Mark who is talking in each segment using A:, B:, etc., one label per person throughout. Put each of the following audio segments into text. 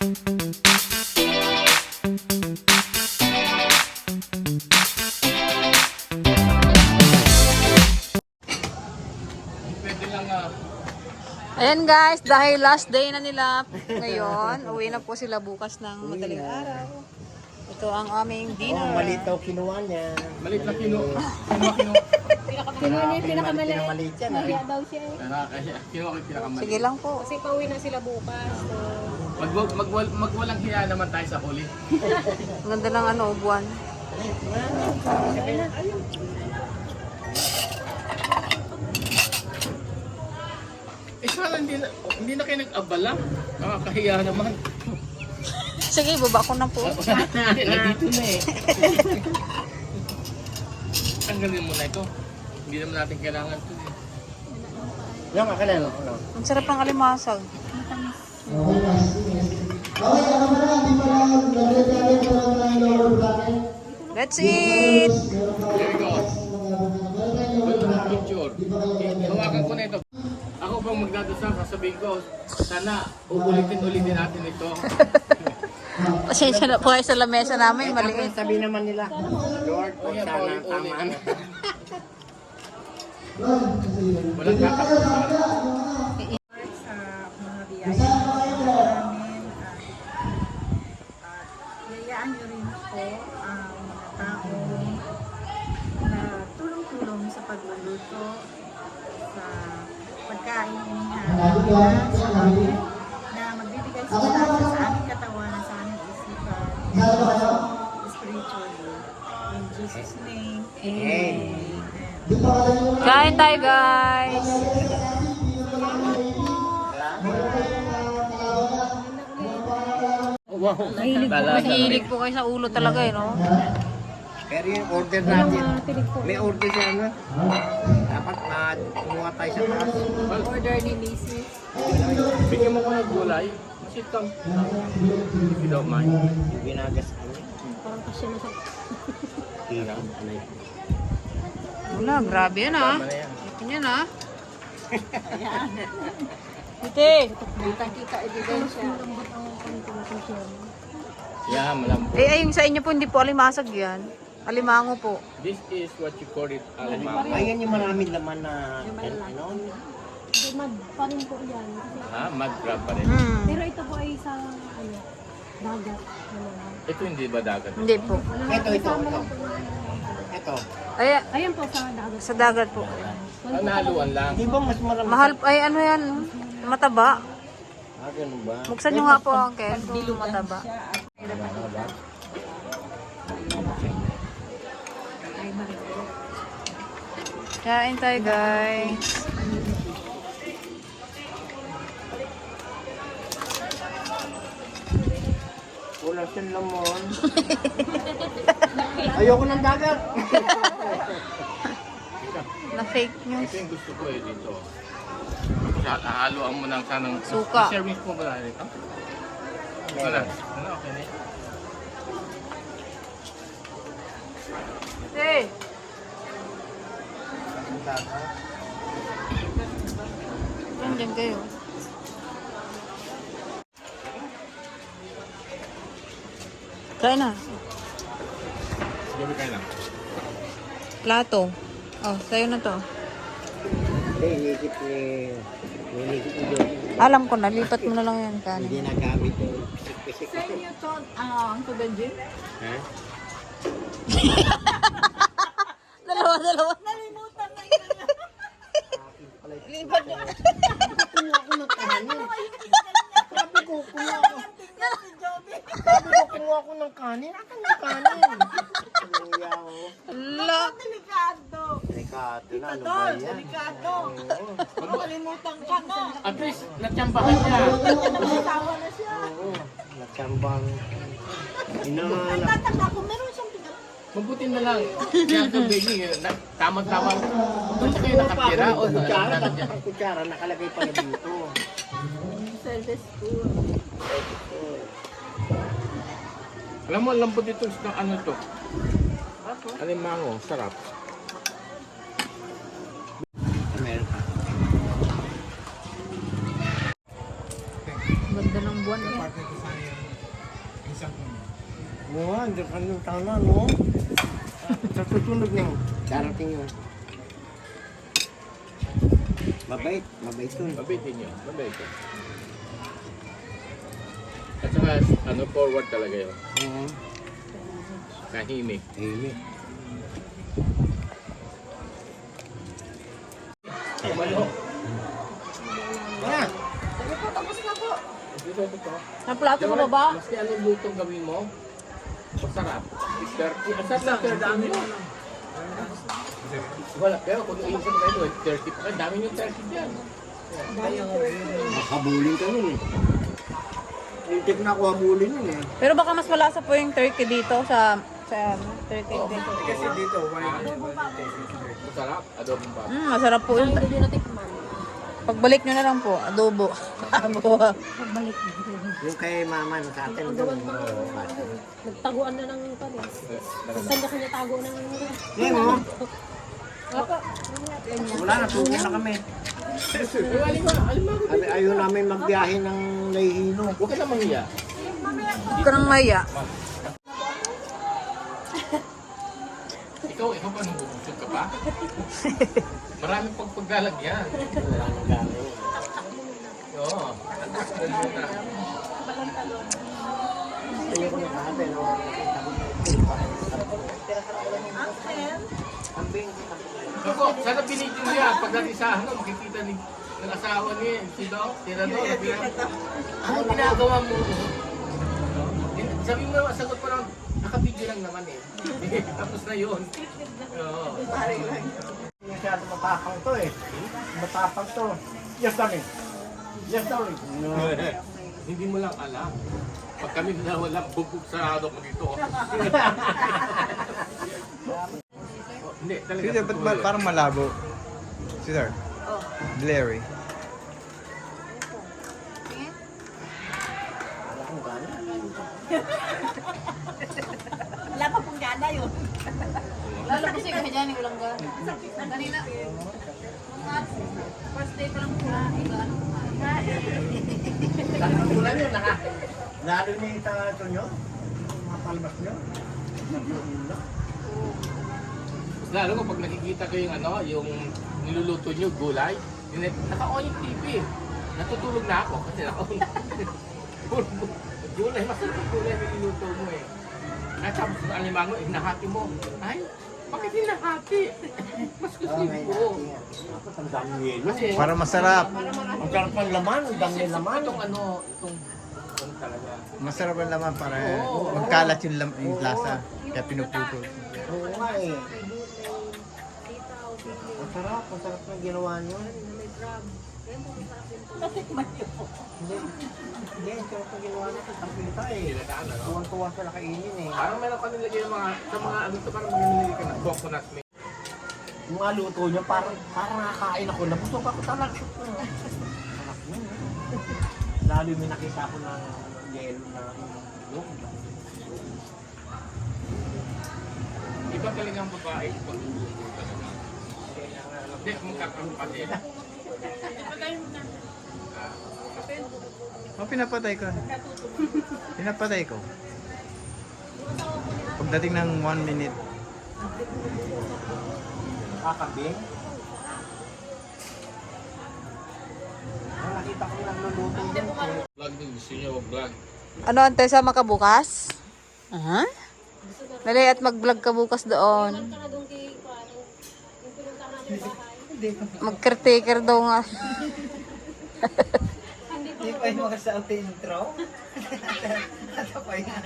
A: Ayan guys, dahil last day na nila ngayon, uwi na po sila bukas ng madaling araw. Ito ang aming dinner.
B: Oh, maliit daw kinuha niya.
C: Maliit na kinuha.
D: Kinuha niya yung pinakamaliit.
B: Pinamaliit yan.
D: Kaya daw siya eh.
C: Kinuha ko pinakamaliit.
A: Sige lang po.
D: Kasi pauwi na sila bukas. So,
C: Magwalang hiya naman tayo sa huli.
A: Ang ganda ng ano, buwan.
C: Sana hindi na kayo nag-abala. Nakakahiya naman.
A: Sige, baba ko na po.
C: Nandito na eh. Tanggalin mo na ito. Hindi naman natin kailangan ito eh.
B: Yung akin na.
A: Ang sarap ng alimasag. Let's eat!
C: There you go. Picture. Hawakan ko na ito. Ako pang magdadasal, sasabihin ko, sana ulitin natin ito.
A: Pasensya na po kayo sa lamesa namin, maliit.
B: Sabi naman nila, Lord, sana tama na.
C: Walang kakasalan.
E: Sa mga biyaya namin yayaan nyo rin po ang mga tao na tulong-tulong sa pagluluto sa pagkain inihain sa amin na magbibigay sa aming katawan sa aming isipan spiritually. In Jesus' name, Amen.
A: Kain tayo guys!
B: Wow.
A: Mahilig po kayo sa ulo talaga eh, no?
B: Pero yung order natin, may order siya na. Dapat kumuha tayo sa taas.
D: order ni Mrs.
C: Bigyan mo ko ng gulay. Sit down. If you don't mind.
B: Yung ginagas kami.
D: Parang kasi na sa...
B: Hirap.
A: Wala, grabe yan ah.
C: Tama na yan.
A: Ito yan ah. Ite!
D: Kita ebidensya.
C: Yeah, malambot.
A: Eh, ayun sa inyo po, hindi po alimasag yan. Alimango po.
C: This is what you call it alimang.
B: Ayan yung maraming laman na, ano?
D: Mad pa rin po yan. Kasi,
C: Ha? Mud crab pa rin.
A: Hmm.
D: pero ito po ay sa ano, dagat.
C: Ito hindi ba dagat?
A: Hindi po.
B: Ito. Ito.
A: Ay,
D: Ayan po sa dagat.
A: sa dagat po.
C: Ang nahaluan lang.
B: Di ba mas marami?
A: Mahal, ay ano yan? Mataba.
B: Ganun ba?
A: Buksan nyo nga po, Uncle, kung mataba. Kain tayo, guys.
B: Wala siyang lamon. Ayoko ng dagat.
A: Na fake news.
C: Ito yung gusto ko eh dito. Haluan mo ng sanang...
A: Suka.
C: Service mo ba na dito? Ito na. Ano, okay na.
A: Hey! Nandiyan kayo. Kain na.
C: Gabi kayo lang.
A: Plato. Oh, sa'yo na to.
B: Hindi, inisip ni Joey.
A: Alam ko na, lipat mo na lang yan,
B: Hindi
A: kanin.
B: nagamit yung pisik-pisik.
E: Sa inyo to, ang Benji?
B: Ha?
A: Dalawa.
E: Nalimutan na yun.
A: Lipat niya.
B: Kumuha ko ng kanin. Sabi ko, kumuha ko. Sabi ko, kumuha ko ng kanin. Akan ng kanin? Kuya ko.
A: La.
E: Delikado.
B: Delikado na, ano ba yan?
E: Delikado. Nakalimutan ka na.
C: At least, natsambahan niya.
E: Nakasawa na siya.
B: Oo, natsambang. Inahanap.
E: Tatanda ko, meron siyang bigat.
C: Mabuti na lang. Kaya ito, baby, tama-tama. Doon sa kayo nakatira o
B: Kutsara,
C: dagat niya.
B: ang kutsara, nakalagay pala dito.
E: Service ko.
C: Alam mo, lambot dito sa ano to. Alimango, sarap.
B: Meron ka.
A: Ganda ng buwan. doon.
B: Oo nga, hindi ka nung tama, no? Sa susunod na, darating yun. Mabait yun.
C: Mabait din yun. Mabait yun. At saka, forward talaga yun.
B: Oo.
C: Kahimik.
B: Himik.
C: Malo.
B: Yan!
C: Ito.
A: Ang plato mo ba?
C: Maski anong lutong gawin mo, masarap. 30. Masarap na 30 yun. Wala, pero kung iisip mo kayo, 30 pa. Dami yung 30 dyan.
B: Habulin ka nun eh. Lintik na ako habulin nun eh.
A: Pero baka mas malasa po yung turkey dito sa turkey dito.
B: Kasi dito,
C: Masarap. Adobong pa.
A: Masarap po yun. Pagbalik nyo na lang po, adobo. Adobo.
B: yung kay mama sa atin doon.
D: Nagtaguan na ng panis. Kanya-kanya tago ng...
B: Ngayon mo, wala na, tuwi na kami. Ayaw namin magbiyahe ng Layhino.
C: Huwag ka na manghiya.
A: Huwag ka nang maya.
C: Ikaw pa nung bubusog ka pa? Maraming paglalagyan.
B: Wala nang gano'n.
C: Oo.
B: Ayaw ko na kahabi, no?
C: Ako, sana pinigil mo yan. Pagdating sa makikita ng asawa niya, si Doc, Tirador, ano ginagawa mo? Sabi mo, sagot pa lang, nakabidyo lang naman eh. Tapos na yun. Oo.
B: Masyado matapang to eh. Matapang to. Yes, darling. Yes, darling. No.
C: Hindi mo lang alam. Pag kami na wala, bubog sarado ko dito. Hindi, talaga.
F: Sir, ba't parang malabo? Sir, blurry.
E: Wala pa pong gana yun.
A: Lalo po siya kaya dyan, walang gano'n. Kanina, mga first day pa lang po na,
B: Ulan yun, lalo niya ito nyo. Mga palmas nyo.
C: Lalo ko pag nakikita ko yung yung niluluto nyo, gulay, naka-on yung TV. Natutulog na ako kasi naka-on. Gulay, masarap yung gulay na niluluto mo eh. At tapos ng alimango, nahati mo. Ay, bakit hinahati? Mas gusto ko.
B: Ang dami yelo.
F: Para masarap.
B: Ang sarap ng laman, ang dami ng laman.
C: Itong talaga.
F: Masarap ang laman para magkalat yung lasa. Kaya pinuputol.
B: Oo nga eh. Ang sarap ng ginawa nyo. Hindi, ang sarap ng ginawa nyo. Ang kita eh. Tuwang-tuwa sa nakainin eh.
C: Parang meron ka nilagay yung sa mga parang nilagay ka ng coconut milk.
B: Yung mga luto nyo, parang nakakain ako. Nabusog ako talaga. Sarap nyo. Lalo yung may nakita ko ng yelo na yung
C: Iba talaga ang babae pag luluto talaga. Hindi, magkakaroon pa din.
F: Oh, pinapatay ko. Pinapatay ko. Pagdating ng 1 minute.
B: kakabing. Nakita ko nagluluto yun.
C: Vlog din, gusto nyo mag-vlog.
A: Ano, ante sa makabukas? Aha. Dali at mag-vlog ka bukas doon. Mag-caretaker daw nga.
B: Hindi pa yung mga sa intro. Ito pa yan.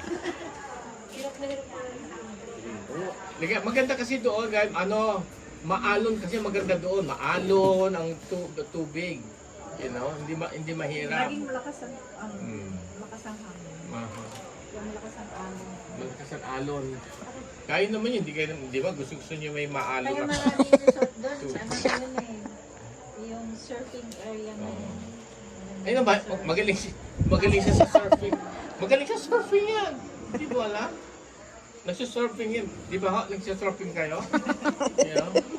C: Maganda kasi doon, guys, maalon kasi maganda doon. Maalon ang tubig. You know, hindi mahirap.
E: Laging malakas ang malakas ang hangin. Malakas ang alon.
C: Malakas ang alon. Kaya naman yun, di ba? Gusto niyo may maalon.
E: Kaya maraming resort doon. Sa yun eh. Yung surfing area na yun.
C: Ayun ba? Magaling siya sa surfing. Magaling siya sa surfing yan. Hindi mo alam? Nagsisurfing yan. Di ba? Nagsisurfing kayo? You know?